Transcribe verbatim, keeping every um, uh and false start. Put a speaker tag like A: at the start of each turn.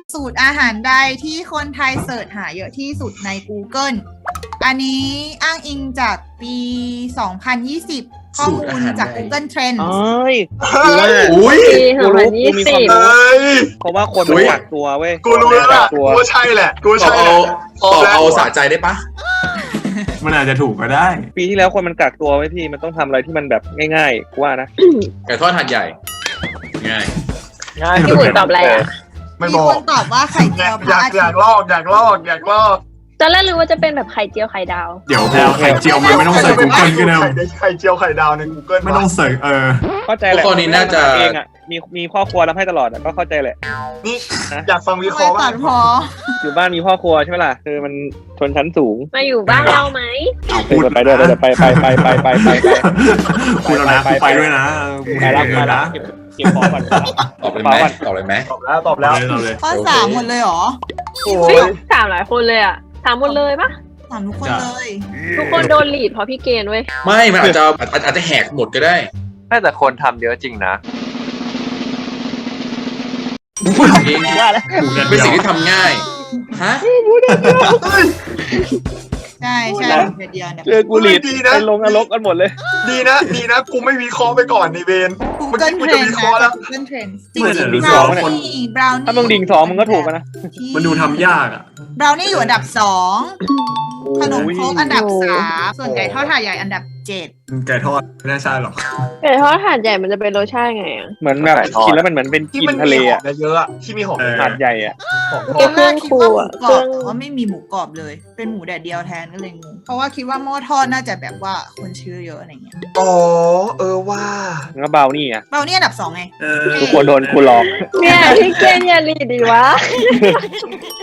A: สูตรอาหารใดที่คนไทยเสิร์ชหาเยอะที่สุดใน Google อันนี้อ้างอิงจากปี สองพันยี่สิบ ข้อมูลจาก Google Trends
B: เอ้ย
C: อุ้ย
D: ปีสองพันยี่สิบ
C: เอ้ย
B: เพราะว่าคนมันกักตัวเว้ย
C: กูรู้แล้วล่ะกูว่าใช่แหละกูว่า
E: ตอบ
C: ใช่
E: เอา
C: พร้อ
E: ต
C: ม
E: อบ
C: แล้ว
E: เอาสะใจได้ปะ
F: มันอาจจะถูกก็ได้
B: ปีที่แล้วคนมันกักตัวไว้พี่มันต้องทำอะไรที่มันแบบง่ายๆกูว่านะ
E: ไก่ทอดหัดใหญ่ ง่าย
B: ง่าย
D: พี่บุ๋ยตอบอะไรอ่ะ
C: ไม่
A: มี
C: บอ
A: ค
C: ก
A: นตอบว่าไข่เจียวพ
C: อ
A: ระ
C: ยาก
A: อา
C: อ
A: ทิ
C: ยา
A: ต
C: ก
A: ย์
C: ลอกอยากลอกอยากลอก
D: ตอนแรกรู้ว่าจะเป็นแบบไข่เจียวไข่ดาว
F: เดี๋ยวแพลวไข่เจียวมันไม่ต้องเสิร์ช Google ก็ได้
C: ไข่ไข่เจียวไข่ดาวใน Google
F: ไม่ต้องเสิร์ชเออ
B: เข้าใจแหละเองอ่ะมีมีพ่อครัวทำให้ตลอดอ่ะก็เข้าใจแหละ
C: นี่อยากฟังวิเค
A: ไม่
C: ราะห์
A: ตั
C: ว่า
A: ดพอ
B: อยู่บ้านมีพ่อครัวใช่ไหมล่ะคือมันชนชั้นสูง
D: มาอยู่บ้านเราไหม
F: เอาพูด
B: ไปด้วยไปไปไปไปไปไปไป
F: พูดแล้วนะกูไปด้วยนะกู
B: ไป
F: เห็น
B: รับ
F: เงิ
B: มาน แล้
F: นะ
B: วเก็บของก่อน
E: ตอบเลยไหมตอบเลยไหม
C: ตอบแล้วตอบแล้ว
F: เอาเลย
A: ข้อสามหมดเลยเหรอ
C: โอ้
D: เฮ้ย
C: ย
D: ถามหลายคนเลยอ่ะถามหมดเลยปะ
A: ถามทุกคนเลย
D: ทุกคนโดนหลีดเพราะพี่เกณฑ์เว้ย
E: ไม่ มันอาจจะอาจอาจจะแหกหมดก็ได้
G: แต่คนทำเยอะจริงนะ
E: เอง
B: ว่าแล้ว
E: เป็นสิ่งที่ทำง่าย ฮะ
A: ใช่ใช่เดียวเดียวเนี่ย
B: เจอกูหลีดไปลงนรกกันหมดเลย
C: ดีนะดีนะกูไม่วิเคราะห์ไปก่อนในเวนเมื่อ
A: Google
C: กี้กูจะ
A: Trends
C: วิเคราะห์แล้ว
A: นะ Google Trends จริ
F: เหมือน
A: ง
F: ดู
A: ๆ
F: สอง
A: brownie brownie
B: ถ้ามึงดิ่งสองมึงก็ถูกนะ
F: มันดูทำยากอ่ะ
A: brownie อยู่อันดับสองขนมครกอันดับ
D: โอ้
A: สามส่วนไก่ทอดถาดใหญ่อันดับเจ็ด
F: ไก่ทอดไม่น่าใช่หรอก
D: ไก่ทอดถาดใหญ่มันจะเป็นรสชาติไงอ่ะ
B: เหมือนแบบกินแล้วมันเหมือนเป็น
C: ที่
B: กิน
C: มัน
B: ทะเล
C: มีหอ
B: อ่ะ
C: มเยอะๆอะที่มีหอม
F: เออ
B: หาดใหญ่อ่ะ
C: หอม
A: ตอนแรกคิดว่าหมูกรอบ
D: เครื่อง
A: แต่ว่าไม่มีหมูกรอบเลย เป็นหมูแดดเดียวแทนก็เลยงง เพราะว่าคิดว่าหม้อทอดน่าจะแบบว่าคนชื่อเยอะอะไรเงี้ย
C: อ๋อเออว่า
B: แล้วเบานี่อ่ะ
A: เบานี่อันดับสองไง
F: เออ
B: ทุกคนโดนกูหลอก
D: เนี่ยพี่เกณฑ์อย่าหลีดดิวะ